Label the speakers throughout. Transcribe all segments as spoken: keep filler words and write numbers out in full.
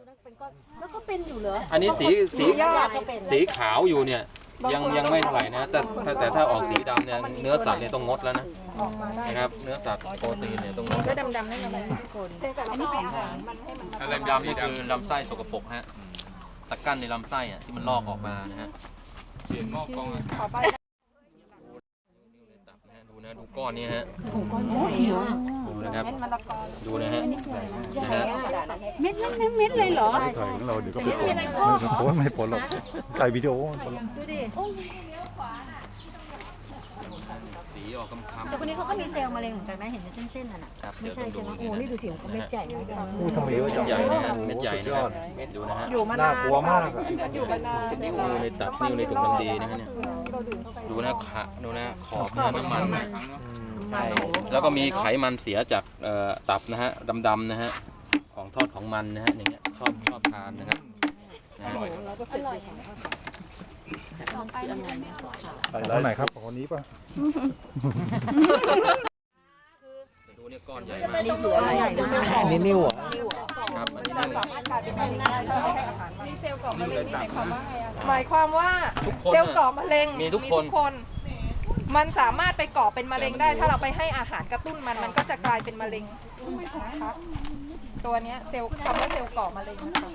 Speaker 1: แล้วก็เป็นอยู่เหรอ
Speaker 2: อันนี้สีสีสีขาวอยู่เนี่ยยังยังไม่เท่าไหร่นะแต่แต่ถ้าออกสีดำเนี่ยเนื้อสัตว์เนี่ยต้องงดแล้วนะนะครับเนื้อสัตว์โปรตีนเนี่ยต้องงดแล้วดำๆนั่นอะไรทุกคนอันนี้เป็นอาหารมันให้มันดำๆนี่คือลำไส้สกปรกฮะตะกั้นในลำไส้อ่ะที่มันลอกออกมานะฮะเสียนงอกกองดูนะดูก้อนนี้ฮะดูนะครับดูนะฮะนะฮะ
Speaker 1: เม็ดเม็ดเม็ดเลยเหรอ
Speaker 3: ไก่ของเราเดี๋ยวก็ไปผลไม่ผลไม่ผลหรอกไก่วิดีโอ
Speaker 1: ดูดิ
Speaker 2: สีออกคำๆ
Speaker 1: แต่คนนี้เขาก็มีเซลล์มะเร็งเหมือนกันนะเห็นเป็นเส้นๆน่ะไม่ใช่ใช่ไหมโอ้นี่ดูสิของเม็ดใหญ่เลย
Speaker 3: อู้ทำไมเยอะจัง
Speaker 2: ใหญ่นะฮะเม็ดใหญ่นะดูนะฮะ
Speaker 1: อยู่มานาน
Speaker 3: น่ากลัวมาก
Speaker 1: อยู่มานาน
Speaker 2: นิ้วในตับนิ้วในถุงน้ำดีนะฮะเนี่ยดูนะขะดูนะขอบน้ำมันนะใช่แล้วก็มีไขมันเสียจากตับนะฮะดำๆนะฮะของทอดของมันนะฮะอย่างเงี้ยชอบชอบทานนะครับอร่อย
Speaker 3: ไปร้านไหนครับคนนี้ป่ะ
Speaker 2: ดูเนี่ยก้อนใหญ่มาก
Speaker 1: นี่เหลือใหญ่มาก
Speaker 3: อันนี้นิ้วเหรอ
Speaker 2: ครับอันนี้นิ้ว
Speaker 4: นี่เซลล์ก่อมะเร็งนี่หมายความว่าหมายความว่าเซลล์ก่อมะเร็ง
Speaker 2: มีทุกคน
Speaker 4: มันสามารถไปก่อเป็นมะเร็งได้ถ้าเราไปให้อาหารกระตุ้นมันมันก็จะกลายเป็นมะเร็งนะคะตัวนี้เซลล์คำว่าเซลล์ก่อมะเร็งนะคะ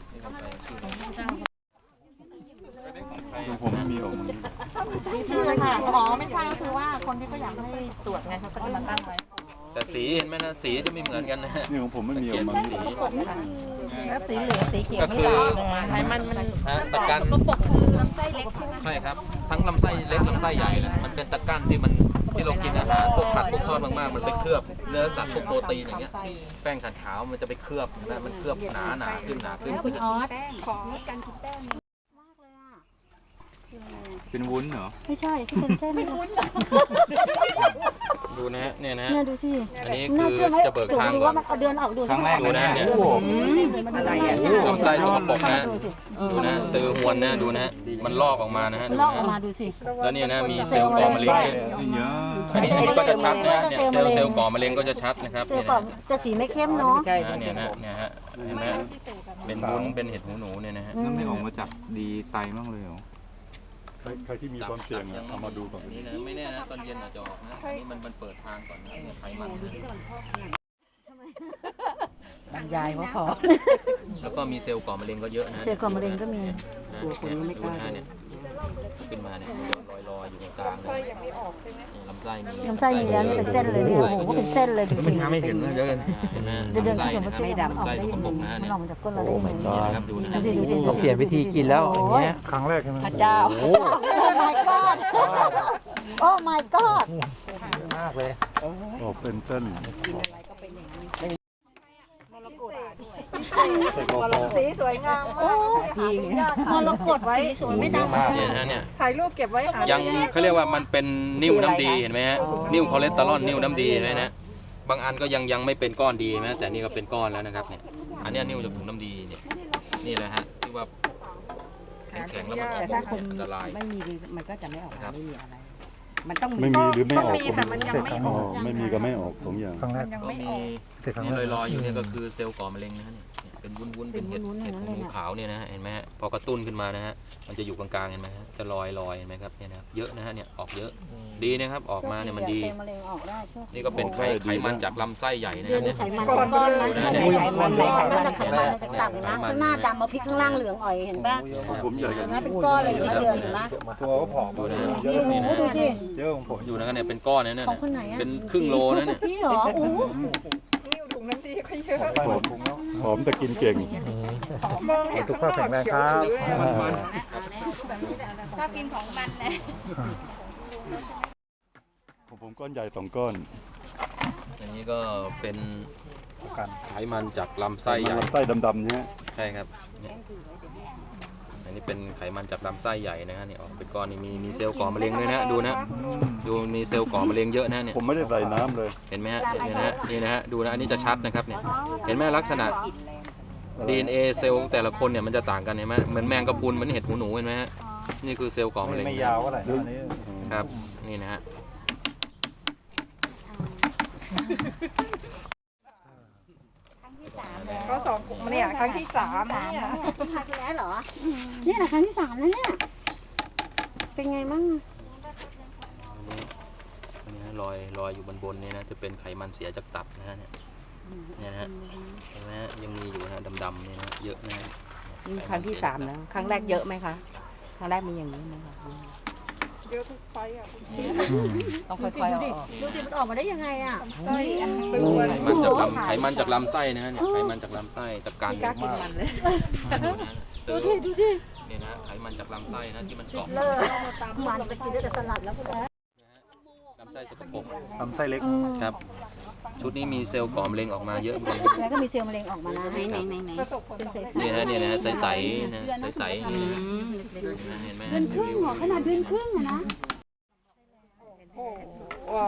Speaker 3: ผมไม่มีออกมา
Speaker 1: นี่คือค่ะหมอไม่ใช่ก็คือว่าคนที่เขาอยากให้ตรวจไงเขาก็จะมาตั้งไว้
Speaker 2: แต่สีเห็นไหมนะสีจะไม่เหมือนกันนะ
Speaker 3: นี่ของผมไม่มีออกมา
Speaker 1: สีแล้วสีเหลืองสีเขียวไม่ได้ไขมันมัน
Speaker 2: ตะกัน
Speaker 1: ก็ปกคือลำไส้เล็กใช่ไหม
Speaker 2: ใช่ครับทั้งลำไส้เล็กลำไส้ใหญ่เลยมันเป็นตะกันที่มันที่เรากินอาหารพวกผัดพวกทอดมากๆมันไปเคลือบเนื้อสัตว์พวกโปรตีนอย่างเงี้ยแป้งขัดขาวมันจะไปเคลือบนะมันเคลือบหนาหนาขึ้นหนาขึ้น
Speaker 1: คุณออส
Speaker 4: ของการกินแป้ง
Speaker 3: เป็นวุ้นเหรอ
Speaker 1: ไม่ใช่ที่เป็นเส้นเป็นวุ้น
Speaker 2: ดูนะฮะเนี่ยนะ
Speaker 1: เนี่ยดูสิ
Speaker 2: อันนี้คือจะเบิกทางก่อน
Speaker 1: เดือนออกดู
Speaker 2: ครั้งแรกดูนะเนี่ย
Speaker 1: อะไรอ่ะ
Speaker 2: ลำไส้สกปรกนะดูนะตือหวนนะดูนะมันลอกออกมานะฮะ
Speaker 1: ลอกออกมาดูสิ
Speaker 2: แล้วเนี่ยนะมีเซลล์ก่อมะเร็งเนี่ยอันนี้อันนี้ก็จะชัดนะเนี่ยเซลล์เซลล์ก่อมะเร็งก็จะชัดนะครับ
Speaker 1: เซลล์ก่อจะสีไม่เข้มเนาะ
Speaker 2: เนี่ยนะเนี่ยฮะเห็นไหมเป็นวุ้นเป็นเห็ดหูหนูเนี่ยนะฮะ
Speaker 3: นั่นไม่ออกมาจากดีไตมั่งเลยเหรอใครที่มีความเสี่ยงเอามาดูก่อน
Speaker 2: นี่นะไม่แน่นะตอนเย็นอาจจะออกนะนี่มันมันเปิดทางก่อนนะเนี่ยไขมัน
Speaker 1: บรรยายว่าพอ
Speaker 2: แล้วก็มีเซลล์ก่อมะเร็งก็เยอะนะ
Speaker 1: เซลล์ก่อมะเร็งก็มี
Speaker 2: ตัวคนนี้ไม่กล้าเนี่ยขึ้นมาเนี่ยลอยลอยอยู่ตรงกลางเลยลำไส้มี
Speaker 1: ลำไส้มีแล้วเป็นเส้นเลยเนี่ยโอ้โหเป็นเส้นเลย
Speaker 2: มันทำให้เห็นว่าเยอะเห็นไหมลำไส้นะครับลำไส้สกปรกนะเนี่ย
Speaker 1: โอ้ my god
Speaker 2: ครับดูนะ
Speaker 5: เราเปลี่ยนวิธีกินแล้วอย่างเงี้ย
Speaker 3: ครั้งแรกใช่ไหม
Speaker 1: พระเจ้าโอ้ my god โอ้ my god
Speaker 5: มากเลย
Speaker 3: โอ้เป็นเส้น
Speaker 4: สีสวยงามมาก
Speaker 1: มรกตไว้สวยไม่ดำ
Speaker 2: เนี่ยนะเนี่ย
Speaker 4: ถ่ายรูปเก็บไว้
Speaker 2: ยังเขาเรียกว่ามันเป็นนิ่วน้ำดีเห็นไหมฮะนิ่วคอเลสเตอรอลนิ่วน้ำดีเห็นไหมนะบางอันก็ยังยังไม่เป็นก้อนดีนะแต่นี่ก็เป็นก้อนแล้วนะครับเนี่ยอันนี้นิ่วจากถุงน้ำดีเนี่ยนี่แหละฮะที่ว่าแข็งๆแล้วมันออกอันตราย
Speaker 1: ไม่มีมันก็จะไม่ออกไม่มีอะไรมันต้อง
Speaker 3: ไม่มีหรือไม่ออก
Speaker 4: แต่มันยังไม่ออก
Speaker 3: ไม่มีก็ไม่ออกสองอย่าง
Speaker 5: ครั้งแรก
Speaker 2: ก็มีนี่ลอยๆอยู่เนี่ยก็คือเซลล์ก่อมะเร็งนะฮะเนี่ยเป็นวุ้นๆเป็นเห็ดเห็ดหูขาวเนี่ยนะเห็นไหมฮะพอกระตุ้นขึ้นมานะฮะมันจะอยู่กลางๆเห็นไหมฮะจะลอยลอยเห็นไหมครับเนี่ยนะเยอะนะฮะเนี่ยออกเยอะดีนะครับออกมาเนี่ยมันดีนี่ก็เป็นไขไขมันจากลำไส้ใหญ่นะเนี่ย
Speaker 1: ไขมันก้อนมันไขมันไขมันไขมันต่างๆนะข้างหน้าดำมาพริกข้างล่างเหลืองอ่อยเห็นป่ะ
Speaker 3: ผมใหญ่กัน
Speaker 1: นะเป็นก้อนเลยเดือนเห็นไหม
Speaker 3: ตัวก็ผอมดูนะ
Speaker 2: นี่นะ
Speaker 3: เยอะของผม
Speaker 2: อยู่นะเนี่ยเป็นก้อนเนี่ยเป็นครึ่งโลนะเนี่ย
Speaker 1: พี่หรอโอ้
Speaker 4: นิ่วถุงน้ำดีก็เยอะ
Speaker 3: หอมแต่กินเก่ง
Speaker 5: ทุกข้าวแข็งแรงครับ
Speaker 1: ชอบกินของมันเลย
Speaker 3: ผมก้อนใหญ่สองก้อน
Speaker 2: อันนี้ก็เป็นไขมันจากลำไส้ใหญ่
Speaker 3: ลำไส้ดำๆเนี่ย
Speaker 2: ใช่ครับอันนี้เป็นไขมันจากลำไส้ใหญ่นะฮะเนี่ยออกเป็นก้อนนี่มีมีเซลล์ก่อมะเร็งเลยนะดูนะดูมีเซลล์ก่อมะเร็งเยอะนะเนี่ย
Speaker 3: ผมไม่ได้ใส่น้ำเลย
Speaker 2: เห็นไหมฮะนี่นะฮะนี่นะฮะดูนะอันนี้จะชัดนะครับเนี่ยเห็นไหมลักษณะ ดี เอ็น เอ เซลล์แต่ละคนเนี่ยมันจะต่างกันเห็นไหมเหมือนแมงกะพรุนเหมือนเห็ดหูหนูเห็นไหมฮะนี่คือเซลล์ก่อมะเร็ง
Speaker 5: ไม่ยาวอะไร
Speaker 2: ครับนี่นะฮะ
Speaker 4: ก็สองเนี่ยครั้งที่สามเนี่ย
Speaker 1: ครั้งที่แล้วเหรอเนี่ยนะครั้งที่สามแล้วเนี่ยเป็นไงมั่ง
Speaker 2: อันนี้อันนี้รอยรอยอยู่บนบนนี่นะจะเป็นไขมันเสียจากตับนะฮะเนี่ยเนี่ยนะฮะเห็นไหมฮะยังมีอยู่นะฮะดำๆนี่นะเยอะนะฮะ
Speaker 6: นี่ครั้งที่สามแล้ว ครั้งแรกเยอะไหมคะ ครั้งแรกมีอย่างนี้ไหมคะ
Speaker 4: เยอะทุกไฟอ่ะ
Speaker 6: ต้องค่อยๆเอาออก
Speaker 1: ดูสิมันออกมาได้ยังไงอ่ะ
Speaker 4: ไส้อันตัว
Speaker 2: ไขมันจากลำไขมันจากลำไส้นะฮะเนี่ยไขมันจากลำไส้ตะการ
Speaker 6: กล้ากินมันเลย
Speaker 2: ดูนะ
Speaker 1: ดูดิดูดิ
Speaker 2: เนี่ยนะไขมันจากลำไส้นะที่มันเกาะ
Speaker 1: เลิกมันไปกินได้แต่สลัดแล้วคุณแม่
Speaker 2: ลำไส้สกปรก
Speaker 3: ทำไส้เล็ก
Speaker 2: ครับ ชุดนี้มีเซลล์ก่อมะเร็งออกมาเยอะเหมือนกัน
Speaker 1: แล้วก็มีเซลล์มะเร็งออกมานะ
Speaker 6: ไหนไหนไหนไหน
Speaker 4: ประสบผล
Speaker 1: เป็น
Speaker 4: สำ
Speaker 1: ใส
Speaker 4: เร็จ
Speaker 2: เนี่ยนะเนี่ยนะใสๆนะใสๆอย่างนี้นะเห็นไหม
Speaker 1: เดือนครึ่งเหรอขนาดเดือนครึ่งอะนะ
Speaker 4: โอ้ว้า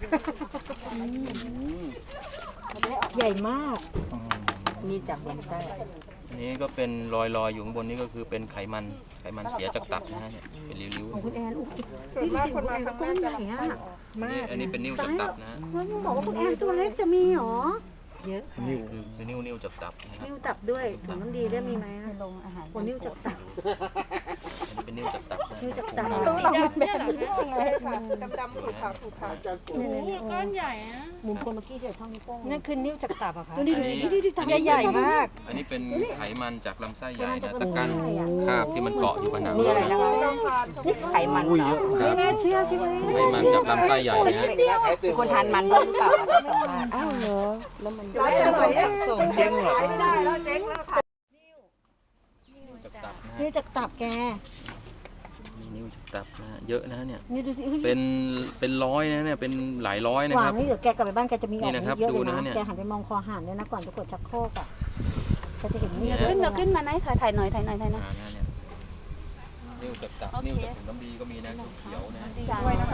Speaker 1: ใหญ่มาก
Speaker 6: มีจากบนใต้
Speaker 2: อันนี้ก็เป็นรอยๆอยู่ข้างบนนี้ก็คือเป็นไขมันไขมันเสียจากตับนะฮะเนี่ยเป็นริ้ว
Speaker 1: ของคุณแอนอุ๊ย
Speaker 4: ส่วนมากคนมาครั้งแรกจะ
Speaker 1: ไหนอะ
Speaker 2: ๆนี่อันนี้เป็นนิ้วจากตับนะฮะ
Speaker 1: แล้วยังบอกว่าคุณแอนตัวเล็กจะมีเหรอ เยอะ
Speaker 2: นิ้วคือคือนิ้วนิ้วจากตับนะครับ
Speaker 1: นิ้วตับด้วยถุงน้ำดีด้วยมีไหมลงอาหารคนนิ้วจับตับ
Speaker 2: อันนี้เป็นนิ้วจากตับนะ
Speaker 1: นิ้วจากตับ
Speaker 2: นะ
Speaker 4: ต้องลองแบบนี้เลยค่ะดำๆขาวๆขาวๆ
Speaker 1: ก้อนใหญ่อะมุมคนเมื่อกี้เดี๋ยวเท่านิ้วโป้งนั่นคือนิ้วจากตับอะคะดูดิ
Speaker 2: อันนี้
Speaker 1: ดูดิดูดิตับใหญ่มาก
Speaker 2: อันนี้เป็นไขมันจากลำไส้ใหญ่นะตะกันคราบที่มันเกาะอยู่ผนัง
Speaker 6: นี่อะไรนะคะนี่ไขมันเหรอ
Speaker 1: ไม่น่าเชื่อใช่ไหม
Speaker 2: ไขมันจากลำไส้ใหญ่นะฮะ
Speaker 6: มีคนทานมันด้วยหรือเปล่าคะ
Speaker 1: อ้าวเหรอแล้วมัน
Speaker 4: ร้อยจะหน่อยส่งเจ๊งเหรอไม่ได้แล้วเจ๊งแล้วค่ะ
Speaker 2: นิ้วจากตับนะฮะ
Speaker 1: นิ้วจากตับแก
Speaker 2: มีนิ้วจากตับนะฮะเยอะนะฮะเนี่ย
Speaker 1: นี่ดูสิ
Speaker 2: เป็นเป็นร้อยนะเนี่ยเป็นหลายร้อยนะ
Speaker 1: ห
Speaker 2: คว
Speaker 1: า
Speaker 2: รั
Speaker 1: ง
Speaker 2: บ
Speaker 1: นี่เดี๋ยวแกกลับไปบ้านแกจะมีอ
Speaker 2: นี่
Speaker 1: อก
Speaker 2: นะครับ
Speaker 1: เยอะเลย
Speaker 2: ดูนะ
Speaker 1: นะ
Speaker 2: เนี่ย
Speaker 1: แกหันไปมองคอหานด้วยนะก่อนจะกดชักโครกอ่ะแกจะเห็นนี่
Speaker 2: เนี่ย
Speaker 1: ขึ้นมาขึ้นมาไหนถ่ายถ่ายหน่อยถ่ายหน่อยถ่ายหน่อย
Speaker 2: อ่าเนี่ยนิ้วจากตับนิ้วจากถุงน้ำดีก็มีนะเขียวๆนะฮะ
Speaker 4: ด้วยนะคะ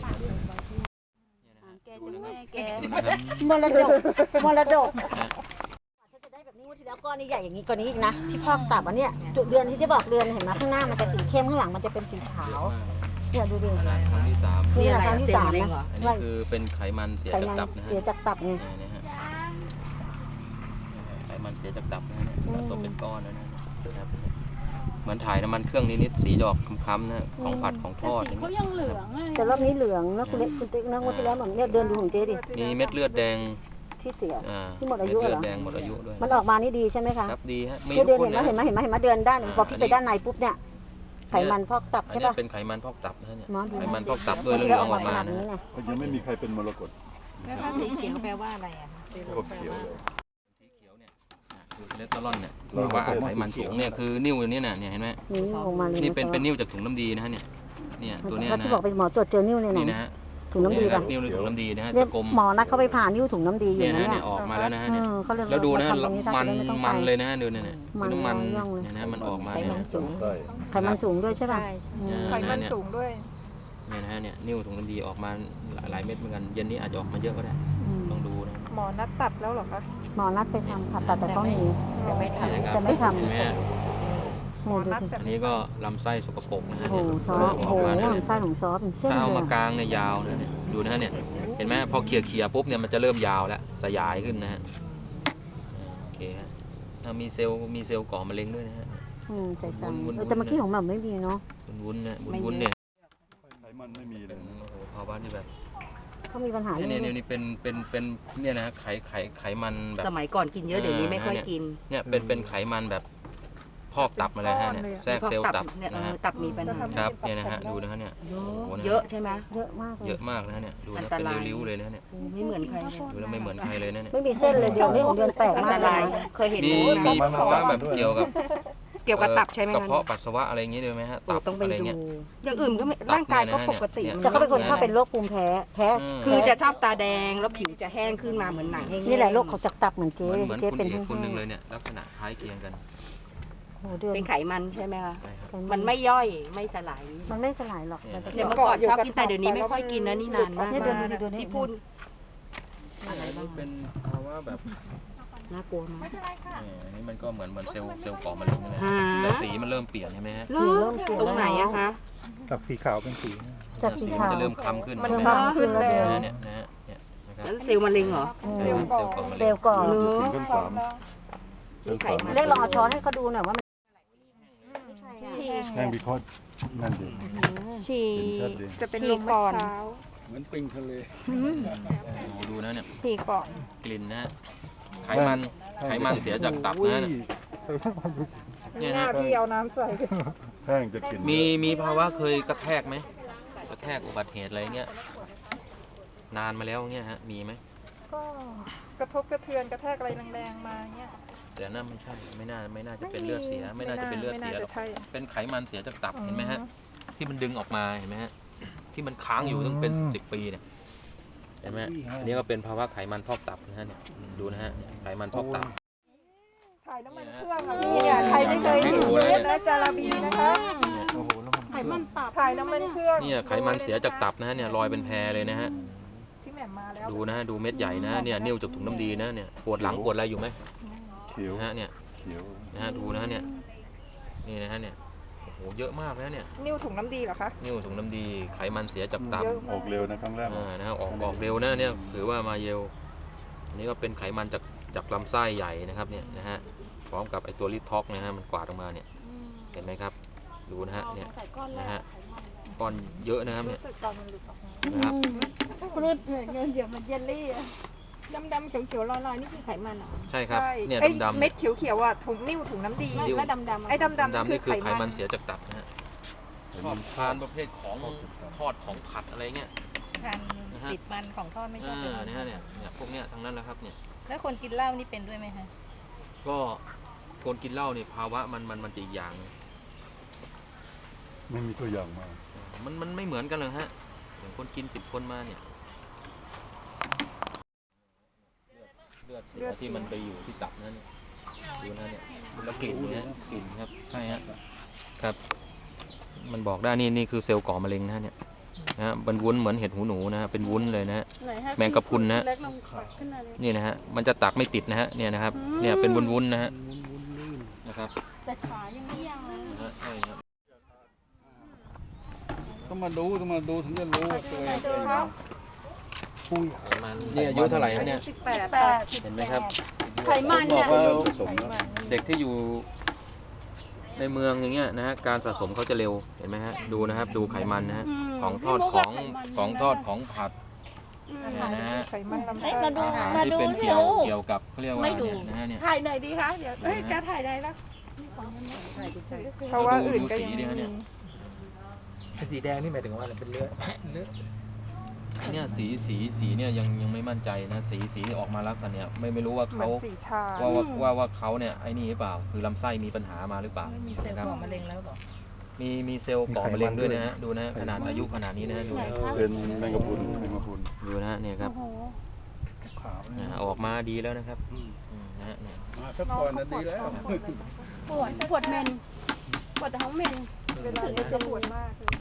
Speaker 1: แกจะแม่แก
Speaker 2: ดูนะครับ
Speaker 1: มรดกมรดกฉันจะได้แบบนี้วันที่แล้วก้อนนี้ใหญ่อย่างนี้กว่านี้อีกนะที่พอกตับอันเนี้ยจุดเดือนที่จะบอกเดือนเห็นไหมข้างหน้ามันจะสีเข้มข้างหลังมันจะเป็นสีขาวเนี่ยดูดิ
Speaker 2: ขนาดครั้งที่สาม
Speaker 1: นี่แหละครั้งที่สามนะ
Speaker 2: อันนี้คือเป็นไขมันเสีย
Speaker 1: ไข
Speaker 2: จาก
Speaker 1: มัน
Speaker 2: ตับนะฮะ
Speaker 1: เสียจากตับไง
Speaker 2: เนี่ยนะฮะไขมันเสียจากตับนะฮะเนี่ยสะสมเป็นก้อนแล้วนะครับเหมือนถ่ายน้ำมันเครื่องนิดๆสีดอกคล้ำๆนะของผัดของทอดอย่างเงี้ย
Speaker 1: แต่รอบนี้เหลืองนะคุณเล็กคุณติ๊กนะวันที่แล้วเหมือนเนี่ยเดินดูของเจ๊ดิ
Speaker 2: มีเม็ดเลือดแดง
Speaker 1: ที่เสีย
Speaker 2: อ่า
Speaker 1: ที่หมดอายุ
Speaker 2: เม็ด
Speaker 1: เห
Speaker 2: เลื
Speaker 1: ร
Speaker 2: อ
Speaker 1: อ
Speaker 2: ดแดงหมดอายุด้วย
Speaker 1: มันออกมานี่ดีใช่ไหมคะ
Speaker 2: ครับดีฮะมี
Speaker 1: เนี่ย
Speaker 2: ทุ
Speaker 1: เดิ
Speaker 2: ก
Speaker 1: น
Speaker 2: คน
Speaker 1: เห็นไหม
Speaker 2: นะ
Speaker 1: เห็นไหมเห็นไหมเห็นไหมเดินด้านหนึ่งพอพี่ไปด้านในปุ๊บเนี่ยไขมันพอกตับ
Speaker 2: อัน
Speaker 1: ใช่
Speaker 2: นี้
Speaker 1: ป่ะ
Speaker 2: เป็นไขมันพอกตับนะฮะเนี่ย
Speaker 1: หมอดู
Speaker 2: ไขมันพอกตับด้วยเรื่องออกมานะฮะ
Speaker 3: ยังไม่มีใครเป็นมรกต
Speaker 6: แล้วถ้าสีเขียวแปลว่าอะไรอ่ะ
Speaker 3: กบเขียวเลย
Speaker 2: สีเขียวเนี่ยอ่ะคือเลสเตอรอลเนี่ยบอกว่าอัดไขมันสูงเนี่ยคือนิ้วอันนี้น่ะเนี่ยเห็นไหม
Speaker 1: นี่ออกมาเลย
Speaker 2: นี่เป็นเป็นนิ้วจากถุงน้ำดีนะฮะเนี่ยเนี่ยตัวเนี้ย
Speaker 1: แล้ว
Speaker 2: นะ
Speaker 1: ที่บอกไปหมอตรวจเจอนิ้วเนี่ย
Speaker 2: นี่
Speaker 1: นะ
Speaker 2: นะฮะ
Speaker 1: ถุงน้ำดี
Speaker 2: เยครั
Speaker 1: ป่ะ
Speaker 2: บนิ้วในถุงน้ำดีนะฮะ
Speaker 1: เรีย
Speaker 2: ตะ
Speaker 1: ก
Speaker 2: กลม
Speaker 1: หมอนัดเขาไปผ่านิ้วถุงน้ำดีอยู่
Speaker 2: เนี่ย
Speaker 1: นะ
Speaker 2: นะ
Speaker 1: เนี่
Speaker 2: เนี่ย ยออกมาแล้วนะฮะ
Speaker 1: เอ
Speaker 2: เนี่ย
Speaker 1: อเขาเรียก
Speaker 2: แล้วดูนะ
Speaker 1: าทำตรง
Speaker 2: มัน
Speaker 1: จะได้ไต้อง
Speaker 2: มัน
Speaker 1: ไป
Speaker 2: เลยนะดูเนี่ยเนี่ย
Speaker 1: มัน
Speaker 2: น้ำมัน
Speaker 1: ย่องเลย
Speaker 2: เนี่ยนะมันออกมา
Speaker 6: ไข
Speaker 2: เนี่ย
Speaker 6: มันสูง
Speaker 3: ใช่
Speaker 1: ไขมันสูงด้วยใช่ป่ะอืม
Speaker 4: ไขมันสูงด้วย
Speaker 2: เนี่ยนะฮะเนี่ยนิ้วถุงน้ำดีออกมาหลายเม็ดเหมือนกันเย็นนี้อาจจะออกมาเยอะก็ได้
Speaker 1: อืม
Speaker 2: ต้องดูนะ
Speaker 4: หมอนัดตัดแล้วเหรอคะ
Speaker 1: หมอนัดไปทำผ่าตัดแต่เขาหนี
Speaker 6: ยังไม่ท
Speaker 2: เนี่ยนะครับ
Speaker 1: จะไม่ทำ
Speaker 2: เห็นไหมฮะ
Speaker 1: โหดูสิ
Speaker 2: อันนี้ก็ลำไส้สกปรกนะฮะ
Speaker 1: โอ้
Speaker 2: เนี่ย
Speaker 1: โหซอ
Speaker 2: เริ่มอ
Speaker 1: โอ้
Speaker 2: อก
Speaker 1: โห
Speaker 2: มาเนี่ย
Speaker 1: ลำไส้ของซอเป็นเส้น
Speaker 2: ถ้าเอา
Speaker 1: เล
Speaker 2: มาย กลางเนี่ยยาวนะเนี่ยดูนะฮะเนี่ยเห็นไหมพอเขี่ยเขี่ยๆปุ๊บเนี่ยมันจะเริ่มยาวแล้วสยายขึ้นนะฮะโอเคฮะอ่ามีเซลล์มีเซลล์ก่อมะเร็งด้วยนะฮะ
Speaker 1: อืมใส่ตัง
Speaker 2: วุ้นๆ
Speaker 1: เออแต่เมื่อกี้ของแบบไม่มีเนาะ
Speaker 2: วุ้นๆเนี่ยวุ้นๆเนี่ย
Speaker 3: ไขมันไม่มีเล
Speaker 2: เป็
Speaker 3: ย
Speaker 2: นโอ้โหภาวะที่แบบ
Speaker 1: เขามีปัญหา
Speaker 2: เนี่ย
Speaker 1: เรื่
Speaker 2: เนี่ย
Speaker 1: อง
Speaker 2: เนี่ยนี่เป็นเป็นเป็นเนี่ยนะฮะไขไขไขมันแบบ
Speaker 6: ำสมัยก่อนกินเยอะเดี๋ยวนี้ไม่ค่อยกิน
Speaker 2: เนี่ยเป็นเป็นไขมันแบบพอกตับมาเลยฮะเนี่ยแทรกเซลล์ตับ
Speaker 6: เนี่ยเอ
Speaker 2: นะ
Speaker 6: อ
Speaker 2: ฮะ
Speaker 6: ตับมีปัญหา
Speaker 2: ครับเนี่ยนะฮะดูนะฮะเนี่ยโอ้โหน
Speaker 6: เยอะใช่ไหม
Speaker 1: เยอะมากเลย
Speaker 2: เยอะมากนะฮะเนี่ยดู
Speaker 6: อั
Speaker 2: นะ
Speaker 6: นต
Speaker 2: เป็น
Speaker 6: ราย
Speaker 2: ริ้วๆเลยนะเนี่ย
Speaker 6: ไม่เหมือนใครเลย
Speaker 2: ดูแล้วไม่เหมือนใครเลยนะเนี่ย
Speaker 1: ไม่มีเส้นเลยเดี๋ยวนี้ของเดือนแปลก
Speaker 6: อัน
Speaker 1: มา
Speaker 6: ต
Speaker 1: กเล
Speaker 6: ราย
Speaker 1: ยนะ
Speaker 6: เคยเห็น
Speaker 2: มี
Speaker 6: รู้
Speaker 2: มี
Speaker 6: นะ
Speaker 2: ภาวะแบบเกี่ยวกับ
Speaker 6: เกี่ยวกับตับใช่ไหม
Speaker 2: กระ
Speaker 6: คะ
Speaker 2: เพาะปัสสาวะอะไรอย่างงี้ด้วยไหมฮะ
Speaker 6: โอ้
Speaker 2: ตับ
Speaker 6: ต้องไป
Speaker 2: อะไร
Speaker 6: ดู
Speaker 2: เงี้ย
Speaker 6: อย่างอื่นก็ไม่
Speaker 2: ตับ
Speaker 6: ร่างกายก็
Speaker 2: เนี่ยนะ
Speaker 6: ปกติ
Speaker 2: เนี่ย
Speaker 1: แต่เขาเป็นคนชอบเป็นโรคภูมิแพ้แพ้
Speaker 2: อืม
Speaker 6: คือจะชอบตาแดงแล้วผิวจะแห้งขึ้นมาเหมือนหนังแห้งๆ
Speaker 1: นี่แหละโรคของจากตับเหมือน
Speaker 2: เห
Speaker 1: เจ๊
Speaker 2: มือนเหมือน
Speaker 1: เจ๊
Speaker 2: คุณ
Speaker 1: เป็น
Speaker 2: เอก
Speaker 1: ทั้ง
Speaker 2: คนหนึ่งเลยเนี่ยลักษณะคล้ายเคียงกัน
Speaker 1: โอ้โหเดือน
Speaker 6: เป็นไขมันใช่ไหมคะ
Speaker 2: ใช่ครับ
Speaker 6: มันไม่ย่อยไม่สลาย
Speaker 1: มันไม่สลายหรอก
Speaker 2: เนี่ย
Speaker 1: แต่
Speaker 6: เดี๋ยวเมื่อก่อนชอบกินแต่เดี๋ยวนี้ไม่ค่อยกินนะนี่นานมาก
Speaker 1: เนี่ยเดือนดูดิเดือนนี้
Speaker 6: ที่พูด
Speaker 2: อะไรบ้างเป็นภาวะแบบ
Speaker 6: น่ากลัวมาก
Speaker 2: เนี่ยอันนี้มันก็เหมือนเหมือนเซลล์เซลล์ก่อมะเร็งนั่นแหละ
Speaker 6: ฮะ
Speaker 2: แต่สีมันเริ่มเปลี่ยนใช่ไหมฮะ
Speaker 6: เริ่มตรงไหนอะคะ
Speaker 5: จากสีขาวเป็นสี
Speaker 1: จากสี
Speaker 2: สี
Speaker 1: ขา
Speaker 2: มัน
Speaker 1: ว
Speaker 2: จะเริ่มคล้ำขึ้น
Speaker 4: มัน
Speaker 2: เห็นไหม
Speaker 4: คล้ำขึ้นแล้ว
Speaker 2: นะเนี่ยนะฮะเนี่ยนะครับ
Speaker 6: แล้วเซลล์มะเร็งเหรอ
Speaker 1: อืม
Speaker 4: เซลล์ก่อ
Speaker 1: เซลล์ก่อน
Speaker 3: ถึงขั้นสาม
Speaker 6: มีไขมัน
Speaker 1: เรียกลองเอาช้อนให้เขาดูหน่อยว่ามัน
Speaker 3: แห้งวิเคราะห์นั่นดี
Speaker 6: ฉี่
Speaker 3: เห็นชัดดี
Speaker 4: จะเป็น
Speaker 6: ฉี่
Speaker 4: ลม
Speaker 6: ก่
Speaker 4: ก่
Speaker 6: อ
Speaker 4: อน น
Speaker 3: เหมือนปิงทะเล
Speaker 2: โอ้โหดูนะเนี่ย
Speaker 4: ฉี่ก่อน
Speaker 2: กลิ่นนะฮะไขมันไขมันเสียจากตับนะเนี่ยเนี่ย
Speaker 4: หน้า
Speaker 2: นะ
Speaker 4: พี่เอาน้ำใส่
Speaker 3: แห้งจะกิน
Speaker 2: มีมีภาวะเคยกระแทกไหมกระแทกอุบัติเหตุอะไรเงี้ยนานมาแล้วเงี้ยฮะมีไหม
Speaker 4: ก็กระทบกระเทือนกระแทกอะไรแรงๆมาเงี้ย
Speaker 2: แต่นั่นไม่ใช่ไม่น่าไม่น่าจะเป็นเลือดเสีย ไม่น่าจะเป็นเลือดเสียหรอก
Speaker 4: ไม่น่าจะใช่
Speaker 2: เป็นไขมันเสียจากตับ
Speaker 4: อืม
Speaker 2: เห็นไหมฮะที่มันดึงออกมาเห็นไหมฮะที่มันค้างอยู่ตั้งเป็นสิบปีเนี่ยเห็นไหมฮะอันนี้ก็เป็นภาวะไขมันพอกตับนะฮะเนี่ยดูนะฮะไขมันพอกตับ
Speaker 4: ถ่ายน้ำมันเครื่องค่ะพี่เนี่ยใครไม่เคยเห็นเลือดและจาระบีนะคะ
Speaker 5: โอ้โหแล้วมัน
Speaker 6: ไขมันตับ
Speaker 4: ถ่ายน้ำมันเครื่อง
Speaker 2: เนี่ยไขมันเสียจากตับนะฮะเนี่ยรอยเป็นแพรเลยนะฮะ
Speaker 4: พี่แหม่มมาแล้ว
Speaker 2: ดูนะฮะดูเม็ดใหญ่นะเนี่ยนิ้วจากถุงน้ำดีนะเนี่ยปวดหลังปวดอะไรอยู่ไหม
Speaker 3: เขียว
Speaker 2: นะฮะเนี่ย
Speaker 3: เขียว
Speaker 2: นะฮะดูนะฮะเนี่ยนี่นะฮะเนี่ยโอ้โหเยอะมากนะเนี่ย
Speaker 4: นิ้วถุงน้ำดีเหรอคะ
Speaker 2: นิ้วถุงน้ำดีไขมันเสียจากตับ
Speaker 4: เยอะ
Speaker 3: ออกเร็วนะครั้งแรก
Speaker 2: อ่านะฮะออกออกเร็วนะเนี่ยถือว่ามาเร็วอันนี้ก็เป็นไขมันจากจากลำไส้ใหญ่นะครับเนี่ยนะฮะพร้อมกับไอตัวลิทท็อกนะฮะมันกวาดออกมาเนี่ยเห็นไหมครับดูนะฮะเนี่ยนะฮะก้อนเยอะนะครับเนี่ยนะครับ
Speaker 6: เลือดเงินเดี๋ยวมันเยลลี่อะดำๆเขียวๆลอยๆนี่คือไขมันเหรอ
Speaker 2: ใช่ครับ
Speaker 4: ใช่
Speaker 2: เนี่ย
Speaker 4: ไอ้
Speaker 2: ดำๆ
Speaker 4: เม็
Speaker 2: เนี่
Speaker 4: ด
Speaker 2: ย
Speaker 4: เขียวๆอ่ะถุงนิ้วถุงน้ำดี
Speaker 2: นิ้ว
Speaker 6: แล้วดำๆ
Speaker 4: ไอ้ดำๆ
Speaker 2: ดำๆนี่คือไข
Speaker 4: ไข
Speaker 2: มันเสียจากตับนะฮะชอบทานประเภทของทอดของผัดอะไรเงี้ย
Speaker 6: ทานติดมันของทอดไม่ชอบ
Speaker 2: อ่าเนี่ยฮะเนี่ยเนี่ยพวกเนี้ยทั้งนั้นแหละครับเนี่ย
Speaker 6: แล้วคนกินเหล้านี่เป็นด้วยไหมคะ
Speaker 2: ก็คนกินเหล้าเนี่ยภาวะมันมันมันจะอีกอย่างหนึ่ง
Speaker 3: ไม่มีตัวอย่างมา
Speaker 2: มันมันไม่เหมือนกันเลยฮะอย่างคนกินสิบคนมาเนี่ยเลือดเสียที่มันไปอยู่ที่ตับนั่นเนี่ยดูนะเนี่ยแล้วกลิ่นเนี่ยกลิ่นครับใช่ฮะครับ มันบอกได้นี่นี่คือเซลล์ก่อมะเร็งนะฮะเนี่ยนะฮะมันวุ้นเหมือนเห็ดหูหนูนะฮะเป็นวุ้นเลยนะฮะแมงกะพรุนนะฮะนี่นะฮะมันจะตักไม่ติดนะฮะเนี่ยนะครับเนี่ยเป็นวุ้นๆนะฮะนะครับ
Speaker 6: แต่ขายังไม่ยาว
Speaker 2: นะฮะใช่ครับ
Speaker 3: ต้องมาดูต้องมาดูถึงจะรู้ว่าตัวเองเป็น
Speaker 2: ไขมันนี่อายุเท่าไหร่ฮะเนี่ย
Speaker 4: สิบแปด
Speaker 6: แปด
Speaker 2: เห็นไหมครับ
Speaker 6: ไขมัน
Speaker 2: บ
Speaker 6: เนี่
Speaker 2: อย กว่า
Speaker 3: เริ่มผสมแล้ว
Speaker 2: เด็กที่อยู่ในเมืองอย่างเงี้ยนะฮะการสะสมเขาจะเร็วเห็นไหมฮะดูนะครับดูไขมันนะฮะของทอดของของทอดของผัดเนี่ยนะฮะ
Speaker 4: ไขมันลำไส้
Speaker 2: อาหารที่เป็นเกี่ยวเกี่ยวกับเขาเรียกว่าเนี่ยนะฮะเนี่ย
Speaker 6: ถ่ายหน่อยดีคะเดี๋ยวเอ้ยจะถ่ายได้แล้ว
Speaker 4: เพราะว่าอื่นก็
Speaker 2: ดู
Speaker 4: ยัง
Speaker 2: สีดิฮะเนี่ย
Speaker 5: สีแดงนี่หมายถึงว่าอะไรเป็นเลือดเลือด
Speaker 2: ไอเนี่ยสีสีสีเนี่ยยังยังไม่มั่นใจนะสีสีออกมาลักษณะเนี่ยไม่ไม่รู้ว่า
Speaker 4: เหมือ
Speaker 2: เขา
Speaker 4: นสีชา
Speaker 2: ว่าว่าว่าว่าเขาเนี่ยไอ้นี่หรือเปล่าคือลำไส้มีปัญหามาหรือเปล่า
Speaker 6: มีเซลล์
Speaker 2: นะครับ
Speaker 6: ก่อมะเร็งแล้วเหรอ
Speaker 2: มีมีเซลล์ก่อมะเร็งด้วยนะฮะดูนะฮะขนาดอายุขนาดนี้นะฮะดูนะ
Speaker 3: เป็นแมงกะพรุนแมงกะพรุน
Speaker 2: ดูนะฮะเนี่ยครับ
Speaker 3: ขาว
Speaker 2: นะฮะออกมาดีแล้วนะครับอืมนะฮะเนี่ย
Speaker 3: มาสักก่อนนะดีแล้ว
Speaker 6: ปวดปวดเมนปวดท้องเมน
Speaker 4: เวลานี้จะปวดมากเลย